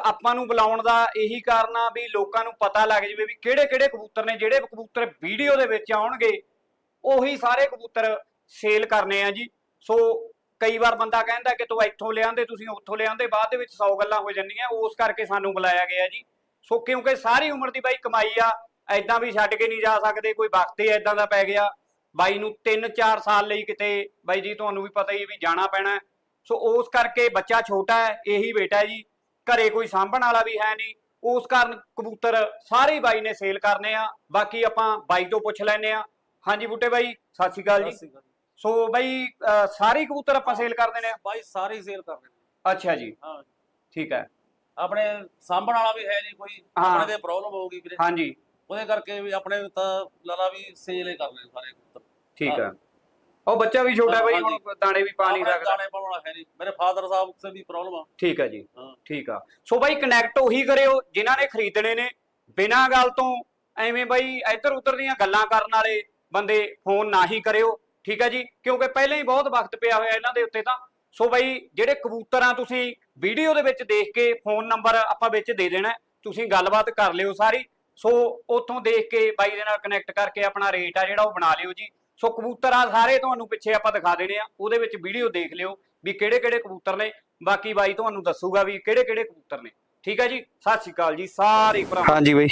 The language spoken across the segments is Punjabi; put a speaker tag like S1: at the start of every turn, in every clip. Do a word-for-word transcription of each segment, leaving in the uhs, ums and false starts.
S1: ਆਪਾਂ ਨੂੰ ਬੁਲਾਉਣ ਦਾ ਇਹੀ ਕਾਰਨ ਆ ਵੀ ਲੋਕਾਂ ਨੂੰ ਪਤਾ ਲੱਗ ਜਾਵੇ ਵੀ ਕਿਹੜੇ ਕਿਹੜੇ ਕਬੂਤਰ ਨੇ, ਜਿਹੜੇ ਕਬੂਤਰ ਵੀਡੀਓ ਦੇ ਵਿੱਚ ਆਉਣਗੇ ਉਹੀ ਸਾਰੇ ਕਬੂਤਰ ਸੇਲ ਕਰਨੇ ਆ ਜੀ। ਸੋ ਕਈ ਵਾਰ ਬੰਦਾ ਕਹਿੰਦਾ ਕਿ ਤੂੰ ਇੱਥੋਂ ਲਿਆਂਦੇ, ਤੁਸੀਂ ਉੱਥੋਂ ਲਿਆਂਦੇ, ਬਾਅਦ ਦੇ ਵਿੱਚ ਸੌ ਗੱਲਾਂ ਹੋ ਜਾਂਦੀਆਂ, ਉਸ ਕਰਕੇ ਸਾਨੂੰ ਬੁਲਾਇਆ ਗਿਆ ਜੀ। ਸੋ ਕਿਉਂਕਿ ਸਾਰੀ ਉਮਰ ਦੀ ਬਾਈ ਕਮਾਈ ਆ, ਐਦਾਂ ਵੀ ਛੱਡ ਕੇ ਨਹੀਂ ਜਾ ਸਕਦੇ, ਕੋਈ ਵਕਤ ਹੀ ਐਦਾਂ ਦਾ ਪੈ ਗਿਆ ਬਾਈ ਨੂੰ ਤਿੰਨ ਚਾਰ ਸਾਲ ਲਈ ਕਿਤੇ ਬਾਈ ਜੀ ਤੁਹਾਨੂੰ ਵੀ ਪਤਾ ਹੀ ਵੀ ਜਾਣਾ ਪੈਣਾ। ਸੋ ਉਸ ਕਰਕੇ ਬੱਚਾ ਛੋਟਾ ਹੈ, ਇਹੀ ਬੇਟਾ ਜੀ, ਘਰੇ ਕੋਈ ਸਾਂਭਣ ਵਾਲਾ ਵੀ ਹੈ ਨਹੀਂ, ਉਸ ਕਾਰਨ ਕਬੂਤਰ ਸਾਰੇ ਬਾਈ ਨੇ ਸੇਲ ਕਰਨੇ ਆ। ਬਾਕੀ ਆਪਾਂ ਬਾਈ ਤੋਂ ਪੁੱਛ ਲੈਨੇ ਆ। ਹਾਂਜੀ ਬੂਟੇ ਬਾਈ ਸਤਿ ਸ਼੍ਰੀ ਅਕਾਲ ਜੀ। ਸੋ ਬਾਈ ਸਾਰੇ ਕਬੂਤਰ ਆਪਾਂ ਸੇਲ ਕਰ ਦੇਣੇ ਆ
S2: ਬਾਈ, ਸਾਰੇ ਸੇਲ ਕਰ ਦੇਣੇ।
S1: ਅੱਛਾ ਜੀ, ਹਾਂ ਠੀਕ ਹੈ।
S2: ਆਪਣੇ ਸਾਂਭਣ ਵਾਲਾ ਵੀ ਹੈ ਨਹੀਂ ਕੋਈ, ਆਪਣੇ ਤੇ ਪ੍ਰੋਬਲਮ ਹੋਊਗੀ ਵੀਰੇ।
S1: ਹਾਂਜੀ, ਉਹਦੇ
S2: ਕਰਕੇ ਵੀ ਆਪਣੇ ਤਾਂ ਲਾਲਾ ਵੀ ਸੇਲ ਹੀ ਕਰ ਲੈਣੇ ਸਾਰੇ ਕਬੂਤਰ।
S1: ਠੀਕ ਹੈ। ਉਹ ਬੱਚਾ ਵੀ ਛੋਟਾ ਬਾਈ, ਹੁਣ ਦਾਣੇ ਵੀ ਪਾ ਨਹੀਂ ਸਕਦਾ,
S2: ਦਾਣੇ ਪਾਉਣ ਵਾਲਾ ਹੈ ਨਹੀਂ। ਮੇਰੇ ਫਾਦਰ ਸਾਹਿਬ ਸੇ ਵੀ ਪ੍ਰੋਬਲਮ ਆ।
S1: ਠੀਕ ਹੈ ਜੀ, ਠੀਕ ਆ। ਸੋ ਬਾਈ ਕਨੈਕਟ ਉਹੀ ਕਰਿਓ ਜਿਨ੍ਹਾਂ ਨੇ ਖਰੀਦਣੇ ਨੇ, ਬਿਨਾਂ ਗੱਲ ਤੋਂ ਐਵੇਂ ਬਾਈ ਇੱਧਰ ਉੱਧਰ ਦੀਆਂ ਗੱਲਾਂ ਕਰਨ ਵਾਲੇ ਬੰਦੇ ਫੋਨ ਨਾ ਹੀ ਕਰਿਓ, ਠੀਕ ਹੈ ਜੀ, ਕਿਉਂਕਿ ਪਹਿਲਾਂ ਹੀ ਬਹੁਤ ਵਕਤ ਪਿਆ ਹੋਇਆ ਇਹਨਾਂ ਦੇ ਉੱਤੇ ਤਾਂ। ਸੋ ਬਾਈ ਜਿਹੜੇ ਕਬੂਤਰ ਆ ਤੁਸੀਂ ਵੀਡੀਓ ਦੇ ਵਿੱਚ ਦੇਖ ਕੇ ਫੋਨ ਨੰਬਰ ਆਪਾਂ ਵਿੱਚ ਦੇ ਦੇਣਾ, ਤੁਸੀਂ ਗੱਲਬਾਤ ਕਰ ਲਿਓ ਸਾਰੀ। ਸੋ ਉੱਥੋਂ ਦੇਖ ਕੇ ਬਾਈ ਦੇ ਨਾਲ ਕਨੈਕਟ ਕਰਕੇ ਆਪਣਾ ਰੇਟ ਆ ਜਿਹੜਾ ਉਹ ਬਣਾ ਲਿਓ ਜੀ। ਸੋ ਕਬੂਤਰ ਆ ਸਾਰੇ ਤੁਹਾਨੂੰ ਪਿੱਛੇ ਆਪਾਂ ਦਿਖਾ ਦੇਣੇ ਆ, ਉਹਦੇ ਵਿੱਚ ਵੀਡੀਓ ਦੇਖ ਲਿਓ ਵੀ ਕਿਹੜੇ ਕਿਹੜੇ ਕਬੂਤਰ ਨੇ। ਬਾਕੀ ਬਾਈ ਤੁਹਾਨੂੰ ਦੱਸੂਗਾ ਵੀ ਕਿਹੜੇ ਕਿਹੜੇ ਕਬੂਤਰ ਨੇ, ਠੀਕ ਹੈ ਜੀ। ਸਤਿ ਸ਼੍ਰੀ ਅਕਾਲ ਜੀ ਸਾਰੇ ਭਰਾ।
S3: ਹਾਂਜੀ ਬਾਈ,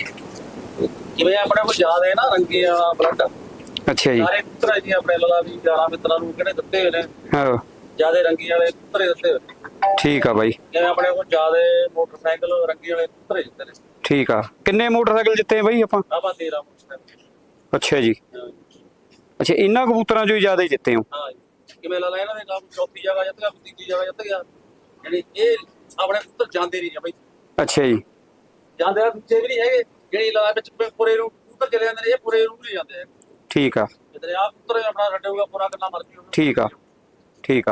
S2: ਜਿਵੇਂ ਆਪਣੇ ਕੋਲ ਜ਼ਿਆਦਾ ਹੈ ਨਾ ਰੰਗੇ ਵਾਲਾ ਬਲੱਡ,
S3: ਅੱਛਾ ਜੀ,
S2: ਸਾਰੇ ਕਬੂਤਰ ਜੀ ਆਪਣੇ ਲਾਲਾ ਵੀ ਯਾਰਾਂ ਮਿੱਤਰਾਂ ਨੂੰ ਕਿਹੜੇ ਦਿੱਤੇ ਹੋਏ ਨੇ,
S3: ਹਾਂ
S2: ਜਿਆਦਾ ਰੰਗੀ ਵਾਲੇ ਕਬੂਤਰ ਦਿੱਤੇ ਹੋਏ।
S3: ਠੀਕ ਆ ਬਾਈ,
S2: ਜਿਵੇਂ ਆਪਣੇ ਕੋਲ ਜ਼ਿਆਦਾ ਮੋਟਰਸਾਈਕਲ ਰੰਗੀ ਵਾਲੇ ਕਬੂਤਰ ਦਿੱਤੇ ਨੇ।
S3: ਠੀਕ ਆ। ਕਿੰਨੇ ਮੋਟਰਸਾਈਕਲ ਜਿੱਤੇ ਬਾਈ ਆਪਾਂ?
S2: ਆਪਾਂ ਤੇਰਾਂ ਮੋਟਰਸਾਈਕਲ।
S3: ਅੱਛਾ ਜੀ, ਅੱਛਾ ਇਹਨਾਂ ਕਬੂਤਰਾਂ ਚੋਂ ਹੀ ਜ਼ਿਆਦਾ ਹੀ ਜਿੱਤੇ ਹੋ?
S2: ਹਾਂ ਜੀ। ਕਿਵੇਂ ਲਾਲਾ ਇਹਨਾਂ ਦੇ ਕੰਮ ਚੌਥੀ ਜਗ੍ਹਾ ਜਿੱਤ ਗਿਆ, ਤੀਜੀ ਜਗ੍ਹਾ ਜਿੱਤ ਗਿਆ। ਯਾਨੀ ਇਹ ਆਪਣੇ ਕਬੂਤਰ ਜਾਂਦੇ ਨਹੀਂ ਆ ਬਾਈ।
S3: ਅੱਛਾ ਜੀ,
S2: ਜਾਂਦੇ ਆ ਦੂਜੇ ਵੀ ਨਹੀਂ ਹੈਗੇ, ਜਿਹੜੀ ਲਾਲਾ ਵਿੱਚ ਪੂਰੇ ਨੂੰ ਕਬੂਤਰ ਚਲੇ ਜਾਂਦੇ ਨੇ, ਇਹ ਪੂਰੇ ਨੂੰ ਨਹੀਂ ਜਾਂਦੇ।
S3: ਠੀਕ ਆ,
S2: ਜਿੱਦਾਂ ਆਪ ਕਬੂਤਰ ਆਪਣਾ ਰੱਡੇਗਾ ਪੂਰਾ ਕਿੰਨਾ ਮਰਜ਼ੀ।
S3: ਠੀਕ ਆ, ਠੀਕ ਆ।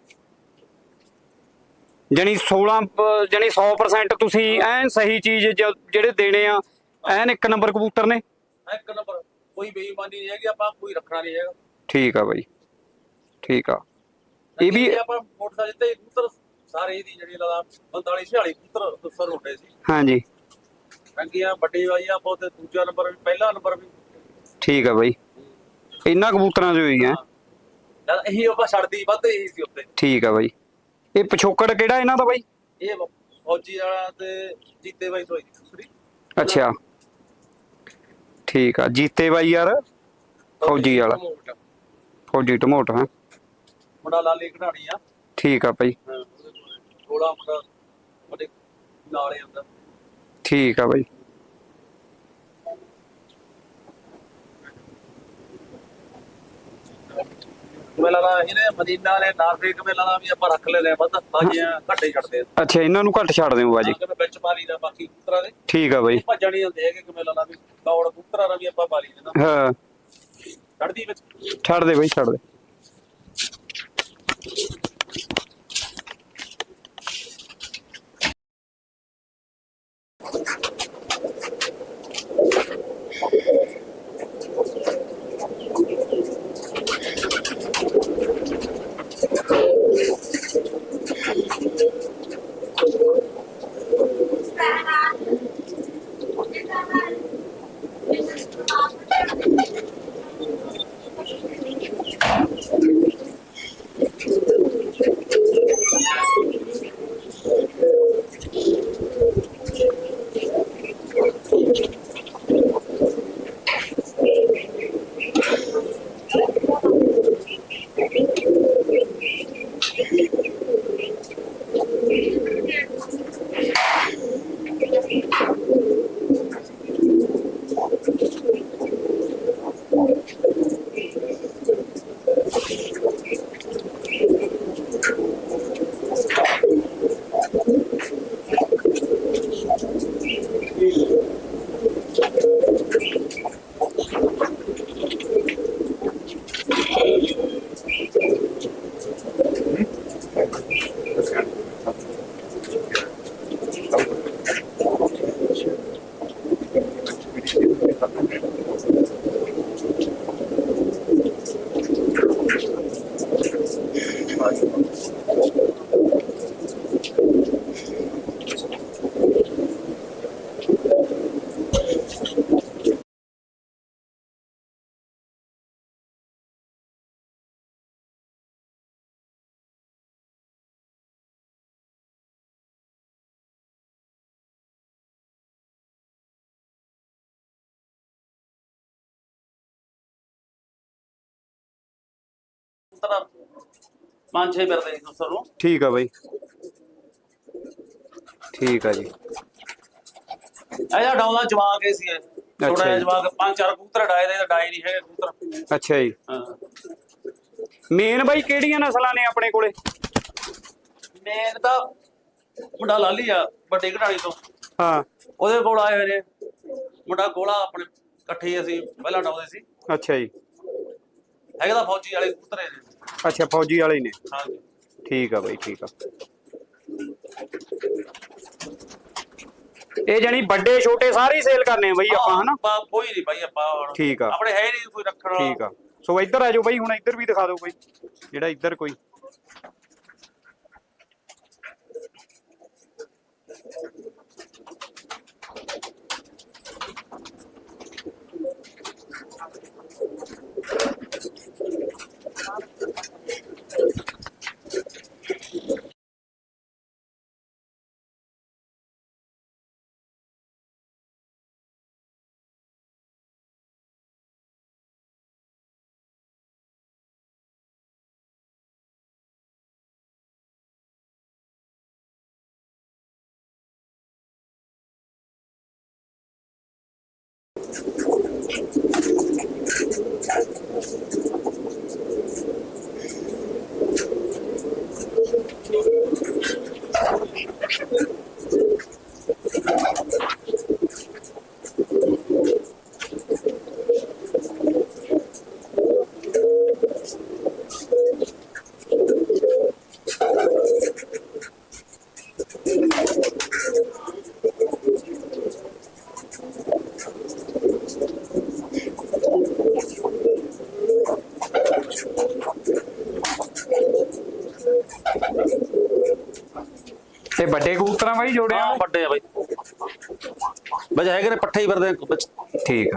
S3: ਜਾਨੀ ਸੋਲਾਂ ਜਾਨੀ ਸੌ ਪਰਸੈਂਟ ਤੁਸੀਂ ਐਨ ਸਹੀ ਚੀਜ਼ ਜਿਹੜੇ ਦੇਣੇ ਆ, ਐਨ ਇੱਕ ਨੰਬਰ ਕਬੂਤਰ ਨੇ।
S2: ਇੱਕ ਨੰਬਰ, ਕੋਈ ਬੇਈਮਾਨੀ ਨਹੀਂ ਹੈਗੀ, ਆਪਾਂ ਕੋਈ ਰੱਖਣਾ ਨਹੀਂ ਹੈਗਾ।
S3: ਠੀਕ ਆ ਬਾਈ, ਠੀਕ ਆ। ਇਹ ਵੀ
S2: ਆਪਾਂ ਮੋਟਰਸਾਈਕਲ ਤੇ ਕਬੂਤਰ ਸਾਰੇ ਇਹਦੀ ਜਿਹੜੀ ਲਾਲਾ ਪੰਤਾਲੀ ਛਿਆਲੀ ਕਬੂਤਰ ਦੁਸਰ ਹੁੰਦੇ ਸੀ।
S3: ਹਾਂਜੀ,
S2: ਰੰਗੀਆਂ ਵੱਡੀ ਵਾਈ ਆ ਬਹੁਤ, ਦੂਜਾ ਨੰਬਰ ਵੀ ਪਹਿਲਾ ਨੰਬਰ ਵੀ।
S3: ਠੀਕ ਆ ਬਾਈ, ਇਹਨਾਂ ਕਬੂਤਰਾਂ ਚੋਂ ਹੀ ਹੈ।
S2: ਜਦ ਇਹੀ ਆਪਾਂ ਛੱਡਦੀ ਵੱਧ ਇਹੀ ਸੀ ਉੱਤੇ।
S3: ਠੀਕ ਆ ਬਾਈ। ਇਹ ਪਿਛੋਕੜ ਕਿਹੜਾ ਇਹਨਾਂ ਦਾ ਬਾਈ?
S2: ਇਹ ਫੌਜੀ ਵਾਲਾ ਤੇ ਜੀਤੇ ਬਾਈ ਤੋਂ ਦੂਸਰੀ।
S3: ਅੱਛਾ ਠੀਕ ਆ, ਜੀਤੇ ਬਾਈ ਯਾਰ ਫੌਜੀ ਵਾਲਾ, ਫੌਜੀ ਟਮੋਟ। ਹਾਂ
S2: ਮੁੰਡਾ ਲਾਲੀ ਘੜਾਣੀ ਆ।
S3: ਠੀਕ ਆ ਬਾਈ,
S2: ਥੋੜਾ ਮੁੰਡਾ ਉਹਦੇ ਨਾਲ ਹੀ ਹੁੰਦਾ।
S3: ਠੀਕ ਆ ਬਾਈ।
S2: ਮੇਲਾ ਦਾ ਇਹਨੇ ਮਦੀਨਾ ਵਾਲੇ ਨਾਰਫੇਕ ਮੇਲਾ ਦਾ ਵੀ ਆਪਾਂ ਰੱਖ ਲੈਨੇ ਆ, ਵੱਧ ਬਾਜੀਆਂ ਘੱਟੇ ਛੱਡਦੇ ਆ।
S3: ਅੱਛਾ ਇਹਨਾਂ ਨੂੰ ਘੱਟ ਛੱਡ ਦਿਓ ਬਾਜੀ?
S2: ਵਿੱਚ ਪਾ ਲਈ ਦਾ ਬਾਕੀ ਕਬੂਤਰਾਂ ਦੇ।
S3: ਠੀਕ ਆ ਬਾਈ,
S2: ਭੱਜਣ ਨਹੀਂ ਹੁੰਦੇ ਹੈਗੇ ਮੇਲਾ ਦਾ ਵੀ, ਦੌੜ ਕਬੂਤਰਾਂ ਦਾ ਵੀ ਆਪਾਂ ਪਾ ਲਈ ਦੇਣਾ।
S3: ਹਾਂ
S2: ਛੱਡਦੀ ਵਿੱਚ
S3: ਛੱਡ ਦੇ ਬਾਈ, ਛੱਡ ਦੇ।
S2: ਕਬੂਤਰ ਪੰਜ ਛੇ ਫਿਰਦੇ ਸੀ ਕਬੂਤਰ ਨੂੰ।
S3: ਠੀਕ ਆ ਬਾਈ, ਠੀਕ ਆ ਜੀ।
S2: ਇਹ ਜਿਹੜਾ ਡਾਉਂਦਾ ਜਵਾਕ ਇਹ ਸੀ ਇਹ। ਛੋਟਾ ਜਿਹਾ
S3: ਜੀ।
S2: ਜਵਾਕ ਪੰਜ ਚਾਰ ਕਬੂਤਰ ਡਾਏ ਦੇ, ਡਾਏ ਨਹੀਂ ਹੈਗੇ ਕਬੂਤਰ।
S3: ਅੱਛਾ ਜੀ।
S2: ਹਾਂ
S3: ਮੇਨ ਬਾਈ ਕਿਹੜੀਆਂ ਨਸਲਾਂ ਨੇ ਆਪਣੇ ਕੋਲੇ?
S2: ਮੇਨ ਤਾਂ ਮੁੰਡਾ ਲਾਲੀ ਆ ਵੱਡੀ ਘਟਾਲੀ ਤੋਂ,
S3: ਹਾਂ
S2: ਉਹਦੇ ਕੋਲ ਆਏ ਹੋਏ ਨੇ। ਮੁੰਡਾ ਗੋਲਾ ਆਪਣੇ ਇਕੱਠੇ ਹੀ ਅਸੀਂ ਪਹਿਲਾਂ ਡਾਉਂਦੇ ਸੀ।
S3: ਅੱਛਾ ਜੀ।
S2: ਹੈਗੇ ਤਾਂ ਫੌਜੀ ਵਾਲੇ ਕਬੂਤਰ ਨੇ।
S3: ਅੱਛਾ ਫੌਜੀ ਵਾਲੇ ਨੇ।
S2: ਹਾਂਜੀ
S3: ਠੀਕ ਆ ਬਾਈ, ਠੀਕ ਆ। ਇਹ ਜਾਨੀ ਵੱਡੇ ਛੋਟੇ ਸਾਰੇ ਹੀ ਸੇਲ ਕਰਨੇ ਆ ਬਾਈ ਆਪਾਂ, ਹਨਾ?
S2: ਆਪਾਂ ਕੋਈ ਨਹੀਂ ਬਾਈ, ਆਪਾਂ ਹੁਣ
S3: ਠੀਕ ਆ,
S2: ਆਪਣੇ ਹੈ ਨਹੀਂ ਕੋਈ ਰੱਖਣ ਵਾਲਾ।
S3: ਠੀਕ ਆ। ਸੋ ਇੱਧਰ ਆ ਜਾਓ ਬਾਈ, ਹੁਣ ਇੱਧਰ ਵੀ ਦਿਖਾ ਦਿਓ ਕੋਈ, ਜਿਹੜਾ ਇੱਧਰ ਕੋਈ। ਤੇ ਵੱਡੇ ਕਬੂਤਰਾਂ ਬਾਈ ਜੋੜੇ ਆ?
S2: ਹਾਂ ਵੱਡੇ ਆ ਬਾਈ, ਬਸ ਹੈਗੇ ਨੇ ਪੱਠੇ ਹੀ ਫਿਰਦੇ ਵਿੱਚ।
S3: ਠੀਕ ਆ।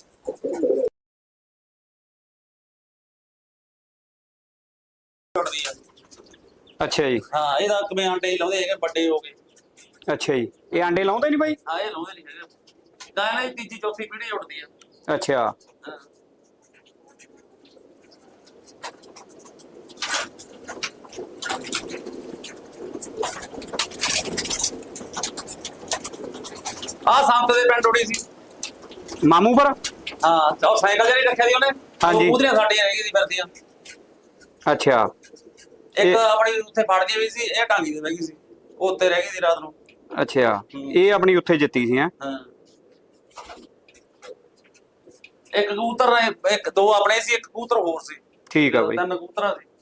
S2: ਟੁੱਟਦੀ ਆ।
S3: ਅੱਛਾ ਜੀ।
S2: ਹਾਂ ਇਹਦਾ ਕਿਵੇਂ ਆਂਡੇ ਲਾਉਂਦੇ ਹੈਗੇ, ਵੱਡੇ ਹੋ ਗਏ।
S3: ਅੱਛਾ ਜੀ। ਇਹ ਆਂਡੇ ਲਾਉਂਦੇ ਨਹੀਂ ਬਾਈ?
S2: ਹਾਂ ਇਹ ਲਾਉਂਦੇ ਨਹੀਂ ਹੈਗੇ, ਤਾਂ ਇਹਨਾਂ ਦੀ ਤੀਜੀ ਚੌਥੀ ਪੀੜ੍ਹੀ ਉੱਡਦੀ ਆ।
S3: ਅੱਛਾ।
S2: ਹਾਂ ਆ ਸੰਤ ਦੇ ਪਿੰਡ ਉੱਡੀ ਸੀ
S3: ਮਾਮੂ ਪਰ?
S2: ਹਾਂ, ਉਹ ਸਾਈਕਲ ਜਿਹੜੀ ਰੱਖਿਆ ਸੀ ਉਹਨੇ,
S3: ਹਾਂਜੀ।
S2: ਉਹ ਉਹਦੀਆਂ ਸਾਡੀਆਂ ਰਹਿ ਗਈ ਸੀ ਫਿਰਦੀਆਂ।
S3: ਅੱਛਾ।
S2: ਇੱਕ
S3: ਇਹ-
S2: ਆਪਣੀ ਉੱਥੇ ਫੜਦੀ ਵੀ ਸੀ, ਇਹ ਟਾਂਗੀ ਤੇ ਬਹਿ ਗਈ ਸੀ, ਉਹ ਉੱਤੇ ਰਹਿ ਗਈ ਸੀ ਰਾਤ ਨੂੰ।
S3: ਅੱਛਾ,
S2: ਹੂੰ।
S3: ਇਹ ਆਪਣੀ ਉੱਥੇ ਜਿੱਤੀ ਸੀ। ਹੈ
S2: ਹਾਂ ਇੱਕ ਕਬੂਤਰ ਨੇ, ਇੱਕ ਦੋ ਆਪਣੇ ਸੀ, ਇੱਕ ਕਬੂਤਰ ਹੋਰ ਸੀ।
S3: ਠੀਕ ਆ ਬਾਈ।
S2: ਤਿੰਨ ਕਬੂਤਰਾਂ ਸੀ।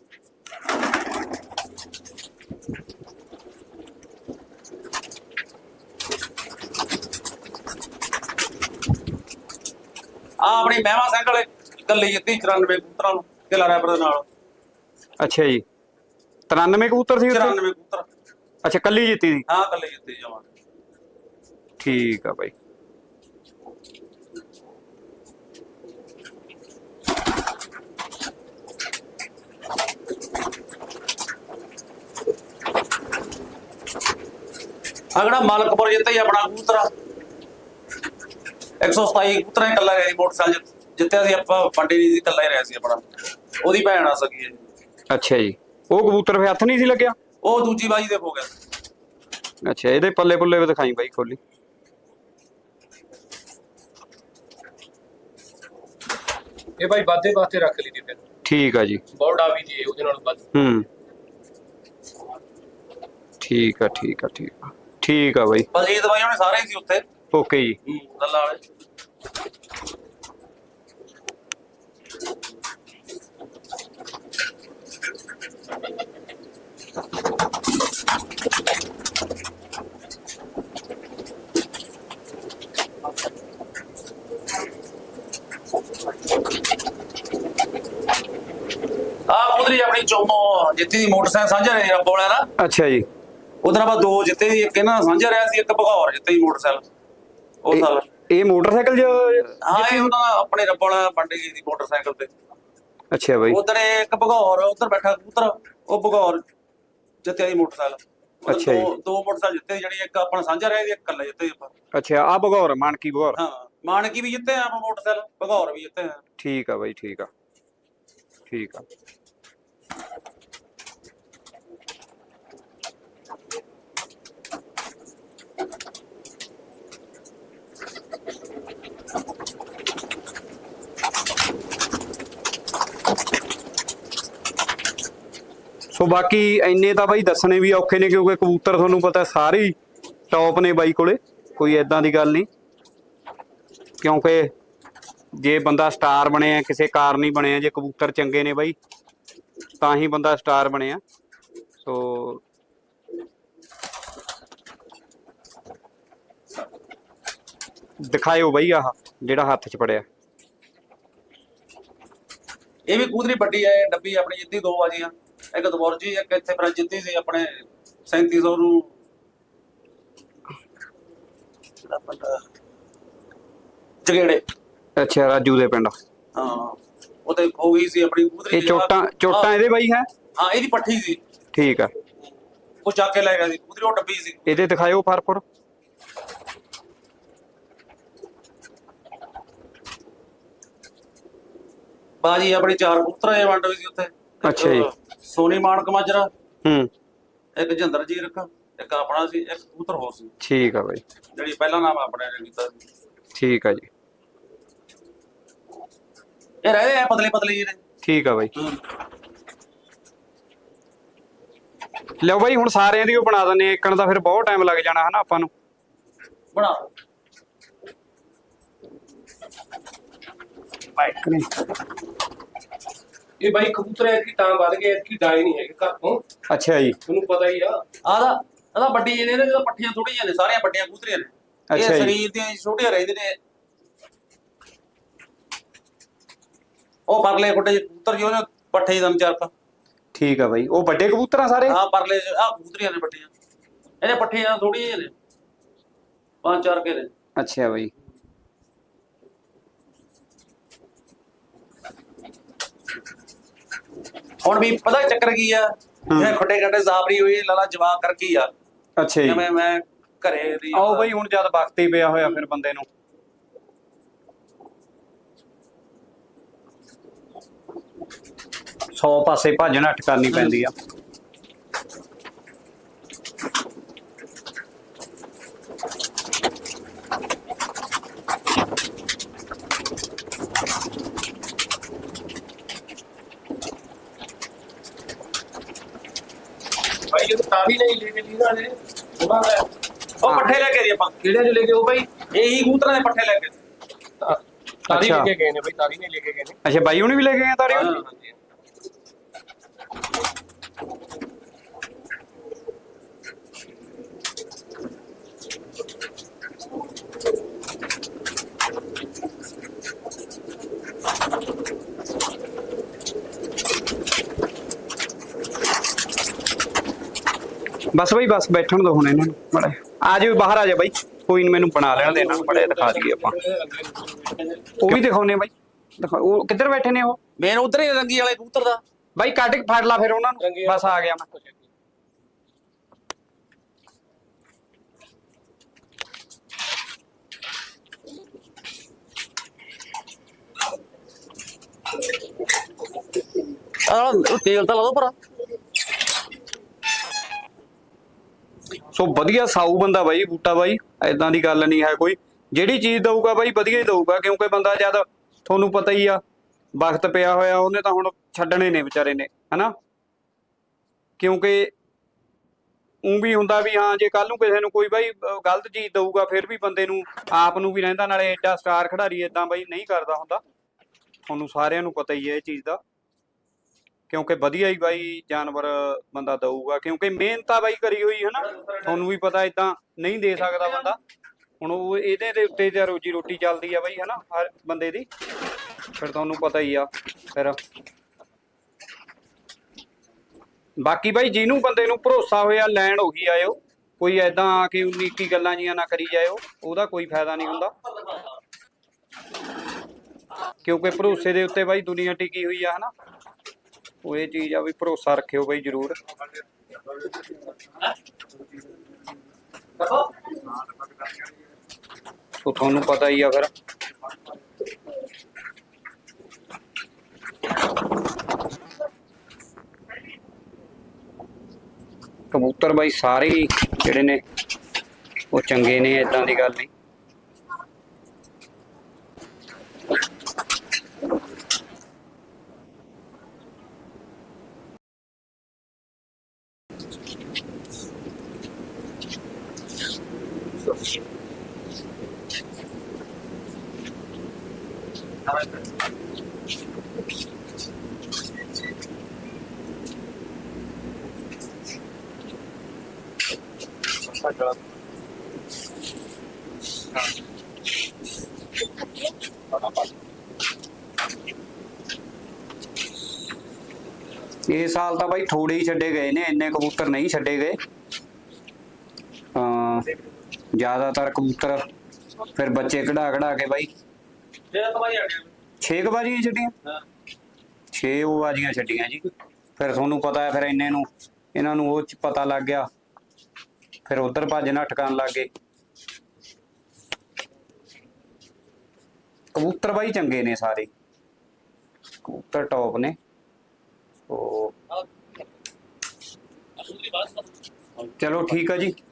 S2: ਆ ਆਪਣੀ ਮਹਿਮਾ ਸਿੰਘ ਵਾਲੇ ਕੱਲੀ ਜਿੱਤੀ ਚੁਰਾਨਵੇਂ ਕਬੂਤਰਾਂ ਨੂੰ ਕਿਲਾ ਰੈਪਰ ਦੇ ਨਾਲ।
S3: ਅੱਛਾ ਜੀ। ਤਰਾਨਵੇਂ ਕਬੂਤਰ ਸੀ ਉੱਥੇ?
S2: ਚੁਰਾਨਵੇਂ ਕਬੂਤਰ।
S3: ਅੱਛਾ, ਕੱਲੀ ਜਿੱਤੀ ਸੀ?
S2: ਹਾਂ ਕੱਲੀ ਜਿੱਤੀ ਜਾਵਾਂ।
S3: ਠੀਕ ਆ ਬਾਈ।
S2: ਅਗੜਾ ਮਾਲਕਪੁਰ ਜਿੱਤੇ ਹੀ ਆਪਣਾ ਕਬੂਤਰ ਇੱਕ ਸੌ ਸਤਾਈ ਕਬੂਤਰਾਂ ਇਕੱਲਾ ਰਿਹਾ ਸੀ। ਮੋਟਰਸਾਈਕਲ ਜਿੱਤਿਆ ਸੀ ਆਪਾਂ, ਪੰਡੇ ਨਹੀਂ ਸੀ, ਇਕੱਲਾ ਹੀ ਰਿਹਾ ਸੀ ਆਪਣਾ। ਉਹਦੀ ਭੈਣ ਆ ਸਕੀ ਹੈ।
S3: ਅੱਛਾ ਜੀ। ਉਹ ਕਬੂਤਰ ਫੇ ਹੱਥ ਨਹੀਂ ਸੀ ਲੱਗਿਆ?
S2: ਉਹ ਦੂਜੀ ਬਾਜੀ ਦੇ ਹੋ ਗਿਆ।
S3: ਅੱਛਾ, ਇਹਦੇ ਪੱਲੇ ਪੁੱਲੇ ਵੀ ਦਿਖਾਈ ਬਾਈ ਖੋਲੀ।
S4: ਇਹ ਭਾਈ ਵਾਧੇ ਵਾਸਤੇ ਰੱਖ ਲਈ ਦੀ ਫਿਰ।
S3: ਠੀਕ ਆ ਜੀ।
S4: ਬੋਰਡ ਆ ਵੀ ਜੀ ਉਹਦੇ ਨਾਲ ਵੱਧ।
S3: ਹੂੰ ਠੀਕ ਆ, ਠੀਕ ਆ, ਠੀਕ ਆ, ਠੀਕ ਆ ਬਾਈ।
S2: ਬਲਜੀਤ ਬਾਈ ਉਹਨੇ ਸਾਰੇ ਹੀ ਸੀ ਉੱਥੇ।
S3: ਓਕੇ ਜੀ।
S2: ਹੂੰ ਗੱਲਾਂ ਵਾਲੇ। ਆ ਉਧਰੀ ਆਪਣੀ ਚੋਮੋ ਜਿੱਤੀ ਦੀ ਮੋਟਰਸਾਈਕਲ ਸਾਂਝਾ ਰਿਹਾ ਰੱਬ ਵਾਲਿਆਂ ਨਾਲ।
S3: ਅੱਛਾ ਜੀ।
S2: ਉਧਰ ਆਪਾਂ ਦੋ ਜਿੱਤੇ ਸੀ, ਇੱਕ ਇਹਨਾਂ ਨਾਲ ਸਾਂਝਾ ਰਿਹਾ ਸੀ, ਇੱਕ ਭਗੌਰ ਜਿੱਤੇ ਸੀ ਮੋਟਰਸਾਈਕਲ ਉਹ
S3: ਇਹ-
S2: ਸਾਲ।
S3: ਇਹ ਮੋਟਰਸਾਈਕਲ ਜ
S2: ਹਾਂ ਇਹ ਉਹਨਾਂ ਦਾ ਆਪਣੇ ਰੱਬ ਵਾਲਾ ਪੰਡੇ ਗਈ ਸੀ ਮੋਟਰਸਾਈਕਲ ਤੇ।
S3: ਅੱਛਾ ਬਾਈ।
S2: ਉਧਰ ਇੱਕ ਭਗੌਰ ਉਧਰ ਬੈਠਾ ਕਬੂਤਰ, ਉਹ ਭਗੌਰ ਜਿੱਤਿਆ ਸੀ ਮੋਟਰਸਾਈਕਲ। ਉੱਧਰ
S3: ਅੱਛਾ ਜੀ।
S2: ਦੋ ਦੋ ਮੋਟਰਸਾਈਕਲ ਜਿੱਤੇ ਸੀ, ਜਿਹੜੀ ਇੱਕ ਆਪਣਾ ਸਾਂਝਾ ਰਿਹਾ ਸੀ, ਇੱਕ ਇਕੱਲਾ ਜਿੱਤੇ ਸੀ ਆਪਾਂ।
S3: ਅੱਛਾ, ਆ ਬਗੌਰ ਮਾਨਕੀ ਬਗੌਰ।
S2: ਹਾਂ ਮਾਨਕੀ ਵੀ ਜਿੱਤੇ ਆ ਆਪਾਂ ਮੋਟਰਸਾਈਕਲ, ਭਗੌਰ ਵੀ ਜਿੱਤੇ ਆ।
S3: ਠੀਕ ਆ ਬਾਈ, ਠੀਕ ਆ, ਠੀਕ ਆ। ਸੋ ਬਾਕੀ ਇੰਨੇ ਤਾਂ ਬਾਈ ਦੱਸਣੇ ਵੀ ਔਖੇ ਨੇ ਕਿਉਂਕਿ ਕਬੂਤਰ ਤੁਹਾਨੂੰ ਪਤਾ ਸਾਰੇ ਹੀ ਟੌਪ ਨੇ ਬਾਈ ਕੋਲੇ, ਕੋਈ ਐਦਾਂ ਦੀ ਗੱਲ ਨਹੀਂ। ਕਿਉਂਕਿ ਜੇ ਬੰਦਾ ਸਟਾਰ ਬਣਿਆ ਕਿਸੇ ਕਾਰਨ ਹੀ ਬਣਿਆ, ਜੇ ਕਬੂਤਰ ਚੰਗੇ ਨੇ ਬਾਈ ਤਾਂ ਹੀ ਬੰਦਾ ਸਟਾਰ ਬਣਿਆ। ਸੋ ਦਿਖਾਇਓ ਬਾਈ ਆਹ ਜਿਹੜਾ ਹੱਥ 'ਚ ਪੜਿਆ।
S2: ਇਹ ਵੀ ਕੂਦਰੀ ਵੱਡੀ ਹੈ, ਡੱਬੀ ਆਪਣੀ ਜਿੱਤੀ ਦੋ ਬਾਜੀਆਂ, ਇੱਕ ਦਬੋਰਜੀ ਇੱਕ ਇੱਥੇ ਫਿਰ ਜਿੱਤੀ ਸੀ ਆਪਣੇ ਸੈਂਤੀ ਸੌ ਨੂੰ ਚਗੇੜੇ।
S3: ਅੱਛਾ, ਰਾਜੂ ਦੇ ਪਿੰਡ।
S2: ਹਾਂ ਉਹ ਤੇ ਹੋ ਗਈ ਸੀ ਆਪਣੀ ਕੂਦਰੀ।
S3: ਇਹ ਚੋਟਾਂ ਚੋਟਾਂ ਇਹਦੇ ਬਾਈ ਹੈ?
S2: ਹਾਂ ਇਹਦੀ ਪੱਠੀ ਸੀ।
S3: ਠੀਕ ਆ,
S2: ਉਹ ਚੱਕ ਕੇ ਲੈ ਗਿਆ ਸੀ ਕੂਦਰੀ, ਉਹ ਡੱਬੀ ਸੀ।
S3: ਇਹਦੇ ਦਿਖਾਇਓ ਫਰਪੁਰ।
S2: ਬਾਜੀ ਆਪਣੀ ਚਾਰ ਕਬੂਤਰ ਇਹ ਵੰਡ ਹੋਈ ਸੀ ਉੱਥੇ।
S3: ਅੱਛਾ ਜੀ।
S2: ਸੋਨੀ ਮਾਨਕ ਮਾਜਰਾ,
S3: ਹੂੰ,
S2: ਇੱਕ ਜਿੰਦਰ ਜੀ ਰੱਖਾ, ਇੱਕ ਆਪਣਾ ਸੀ, ਇੱਕ ਕਬੂਤਰ ਹੋਰ ਸੀ।
S3: ਠੀਕ ਆ ਬਾਈ,
S2: ਜਿਹੜੀ ਪਹਿਲਾ ਨਾਮ ਆਪਣੇ ਨੇ ਕੀਤਾ ਸੀ।
S3: ਠੀਕ ਆ ਜੀ।
S2: ਇਹ ਰਹੇ ਆ ਪਤਲੇ ਪਤਲੇ ਜਿਹੇ ਨੇ।
S3: ਠੀਕ ਆ ਬਾਈ, ਲਓ ਬਾਈ ਹੁਣ ਸਾਰਿਆਂ ਦੀ ਉਹ ਬਣਾ ਦਿੰਦੇ ਆ। ਇੱਕਣ ਦਾ ਫਿਰ ਬਹੁਤ ਟਾਈਮ ਲੱਗ ਜਾਣਾ ਹਨਾ ਆਪਾਂ ਨੂੰ।
S2: ਬਣਾ
S3: ਬਾਈਕ ਨੇ
S4: ਇਹ ਬਾਈ ਕਬੂਤਰ ਐਤਕੀ ਤਾਂ ਵੱਧ ਗਏ, ਐਤਕੀ ਡਾਈ ਨਹੀਂ ਹੈਗੇ ਘਰ ਤੋਂ,
S3: ਅੱਛਾ ਜੀ।
S4: ਤੁਹਾਨੂੰ ਪਤਾ ਹੀ ਆ।
S2: ਆਦਾ ਆਦਾ ਵੱਡੀ ਜਿਹੇ ਨੇ, ਜਦੋਂ ਪੱਠੀਆਂ ਥੋੜੀਆਂ ਜਿਹੀ ਨੇ, ਸਾਰੀਆਂ ਵੱਡੀਆਂ ਕਬੂਤਰੀਆਂ ਨੇ। ਇਹ
S3: ਅੱਛਾ ਜੀ।
S2: ਸਰੀਰ ਦੀਆਂ ਛੋਟੀਆਂ ਰਹਿੰਦੇ ਨੇ। ਉਹ ਪਰਲੇ ਕੋਟੇ ਜਿਹੇ ਕਬੂਤਰ ਜੀ, ਉਹਨੇ ਪੱਠੇ ਦਾ ਵਿਚਾਰਤਾ।
S3: ਠੀਕ ਆ ਬਾਈ, ਉਹ ਵੱਡੇ ਕਬੂਤਰ ਆ ਸਾਰੇ?
S2: ਆਹ ਪਰਲੇ ਆਹ ਕਬੂਤਰੀਆਂ ਨੇ ਵੱਡੀਆਂ, ਇਹਦੇ ਪੱਠੀਆਂ ਥੋੜੀਆਂ ਜਿਹੀਆਂ ਨੇ, ਪੰਜ ਚਾਰ ਕੇ ਨੇ।
S3: ਅੱਛਾ ਬਾਈ,
S2: ਹੁਣ ਵੀ ਪਤਾ ਚੱਕਰ ਕੀ ਆ, ਇਹ ਖੱਡੇ ਖੱਡੇ ਜ਼ਾਬਰੀ ਹੋਈ ਲਾਲਾ ਜਵਾਬ ਕਰ ਕੀ ਆ।
S3: ਅੱਛਾ ਜੀ।
S2: ਜਿਵੇਂ ਮੈਂ ਘਰੇ ਦੀ
S3: ਆਓ ਬਾਈ ਹੁਣ ਜਦ ਵਕਤ ਹੀ ਪਿਆ ਹੋਇਆ ਫਿਰ ਬੰਦੇ ਨੂੰ। ਸੌ ਪਾਸੇ ਭੱਜ ਨੱਠ ਕਰਨੀ ਪੈਂਦੀ ਆ।
S4: ਭਾਈ ਇਹ ਤਾਰੀ ਨਹੀਂ ਲੈ ਕੇ ਲੀਦਾ ਨੇ ਉਹਨਾਂ ਦਾ।
S2: ਉਹ ਪੱਠੇ ਲੈ ਕੇ ਜੀ ਆਪਾਂ,
S4: ਕਿਹੜੇ ਚ ਲੈ ਕੇ ਉਹ ਭਾਈ?
S2: ਇਹੀ ਕਬੂਤਰਾਂ ਦੇ ਪੱਠੇ ਲੈ ਕੇ।
S4: ਤਾਰੀ
S3: ਅੱਛਾ।
S4: ਲੈ ਕੇ ਗਏ ਨੇ ਭਾਈ, ਤਾਰੀ ਨਹੀਂ ਲੈ ਕੇ ਗਏ ਨੇ।
S3: ਅੱਛਾ ਬਾਈ ਹੁਣੀ ਵੀ ਲੈ ਕੇ ਗਏ ਤਾਰੀ?
S4: ਹਾਂਜੀ।
S3: ਬਸ ਬਾਈ ਬਸ ਬੈਠਣ ਦੋ ਹੁਣ ਇਹਨਾਂ ਨੂੰ ਬੜਾ। ਆ ਜਾਓ ਬਾਹਰ ਆ ਜਾ ਬਾਈ, ਕੋਈ ਨੀ ਮੈਨੂੰ ਬਣਾ ਲੈਣ ਦੇ ਇਹਨਾਂ ਨੂੰ, ਬੜੇ ਦਿਖਾ ਦਈਏ ਆਪਾਂ। ਉਹ ਵੀ ਦਿਖਾਉਨੇ ਬਾਈ, ਦਿਖਾ। ਉਹ ਕਿੱਧਰ ਬੈਠੇ ਨੇ ਉਹ?
S2: ਮੇਨ ਉਧਰ ਹੀ ਰੰਗੀ ਵਾਲੇ ਕਬੂਤਰ ਦਾ।
S3: ਬਾਈ ਕੱਢ ਕੇ ਫੜ ਲਾ ਫਿਰ ਉਹਨਾਂ ਨੂੰ। ਬਸ ਆ ਗਿਆ ਮੈਂ।
S2: ਆਹ ਤੇਲ ਤਾਂ ਲਾ ਦੋ ਭਰਾ।
S3: ਸੋ ਵਧੀਆ ਸਾਊ ਬੰਦਾ ਬਾਈ ਬੂਟਾ ਬਾਈ, ਐਦਾਂ ਦੀ ਗੱਲ ਨਹੀਂ ਹੈ ਕੋਈ। ਜਿਹੜੀ ਚੀਜ਼ ਦਊਗਾ ਬਾਈ ਵਧੀਆ ਹੀ ਦਊਗਾ, ਕਿਉਂਕਿ ਬੰਦਾ ਜਦ ਤੁਹਾਨੂੰ ਪਤਾ ਹੀ ਆ ਵਕਤ ਪਿਆ ਹੋਇਆ, ਉਹਨੇ ਤਾਂ ਹੁਣ ਛੱਡਣੇ ਨੇ ਵਿਚਾਰੇ ਨੇ ਹਨਾ। ਕਿਉਂਕਿ ਉਹ ਵੀ ਹੁੰਦਾ ਵੀ ਹਾਂ ਜੇ ਕੱਲ ਨੂੰ ਕਿਸੇ ਨੂੰ ਕੋਈ ਬਾਈ ਗਲਤ ਚੀਜ਼ ਦਊਗਾ ਫਿਰ ਵੀ ਬੰਦੇ ਨੂੰ ਆਪ ਨੂੰ ਵੀ ਰਹਿੰਦਾ, ਨਾਲੇ ਐਡਾ ਸਟਾਰ ਖਿਡਾਰੀ ਏਦਾਂ ਬਾਈ ਨਹੀਂ ਕਰਦਾ ਹੁੰਦਾ। ਤੁਹਾਨੂੰ ਸਾਰਿਆਂ ਨੂੰ ਪਤਾ ਹੀ ਹੈ ਇਹ ਚੀਜ਼ ਦਾ, ਕਿਉਂਕਿ ਵਧੀਆ ਹੀ ਬਾਈ ਜਾਨਵਰ ਬੰਦਾ ਦਊਗਾ, ਕਿਉਂਕਿ ਮਿਹਨਤ ਤਾਂ ਬਾਈ ਕਰੀ ਹੋਈ ਹੈ ਨਾ। ਤੁਹਾਨੂੰ ਵੀ ਪਤਾ ਏਦਾਂ ਨਹੀਂ ਦੇ ਸਕਦਾ ਬੰਦਾ। ਹੁਣ ਉਹ ਇਹਦੇ ਦੇ ਉੱਤੇ ਤਾਂ ਰੋਜੀ ਰੋਟੀ ਚੱਲਦੀ ਆ ਬਾਈ ਹਨਾ ਹਰ ਬੰਦੇ ਦੀ, ਫਿਰ ਤੁਹਾਨੂੰ ਪਤਾ ਹੀ ਆ। ਫਿਰ ਬਾਕੀ ਬਾਈ ਜਿਹਨੂੰ ਬੰਦੇ ਨੂੰ ਭਰੋਸਾ ਹੋਇਆ ਲੈਣ ਉਹੀ ਆਇਓ, ਕੋਈ ਐਦਾਂ ਆ ਕੇ ਉਨੀ ਇੱਕੀ ਗੱਲਾਂ ਜੀਆਂ ਨਾ ਕਰੀ ਜਾਇਓ, ਉਹਦਾ ਕੋਈ ਫਾਇਦਾ ਨਹੀਂ ਹੁੰਦਾ। ਕਿਉਂਕਿ ਭਰੋਸੇ ਦੇ ਉੱਤੇ ਬਾਈ ਦੁਨੀਆ ਟਿਕੀ ਹੋਈ ਆ ਹਨਾ। ਉਹ ਇਹ ਚੀਜ਼ ਆ ਵੀ ਭਰੋਸਾ ਰੱਖਿਓ ਬਾਈ ਜ਼ਰੂਰ। ਸੋ ਤੁਹਾਨੂੰ ਪਤਾ ਹੀ ਆ ਫਿਰ। ਕਬੂਤਰ ਬਾਈ ਸਾਰੇ ਜਿਹੜੇ ਨੇ ਉਹ ਚੰਗੇ ਨੇ, ਏਦਾਂ ਦੀ ਗੱਲ ਨਹੀਂ। ਇਸ ਸਾਲ ਤਾਂ ਬਾਈ ਥੋੜੇ ਹੀ ਛੱਡੇ ਗਏ ਨੇ, ਇੰਨੇ ਕਬੂਤਰ ਨਹੀਂ ਛੱਡੇ ਗਏ। ਅਹ ਜ਼ਿਆਦਾਤਰ ਕਬੂਤਰ ਫਿਰ ਬੱਚੇ ਕਢਾ ਕਢਾ ਕੇ ਬਾਈ
S2: ਜਿਹੜਾ ਕਮਾਈ ਆ ਗਿਆ
S3: ਛੇ ਕੁ ਬਾਜੀਆਂ ਛੱਡੀਆਂ,
S2: ਹਾਂ
S3: ਛੇ ਉਹ ਬਾਜੀਆਂ ਛੱਡੀਆਂ ਜੀ। ਫਿਰ ਤੁਹਾਨੂੰ ਪਤਾ ਹੈ ਫਿਰ ਇੰਨੇ ਨੂੰ ਇਹਨਾਂ ਨੂੰ ਉਹ ਚ ਪਤਾ ਲੱਗ ਗਿਆ, ਫਿਰ ਉਧਰ ਭੱਜ ਨੱਠ ਕਰਨ ਲੱਗ ਗਏ। ਕਬੂਤਰ ਬਾਈ ਚੰਗੇ ਨੇ ਸਾਰੇ, ਕਬੂਤਰ ਟੌਪ ਨੇ। ਉਹ
S2: ਅਸਲੀ ਬਾਤ
S3: ਚਲੋ ਠੀਕ ਆ ਜੀ।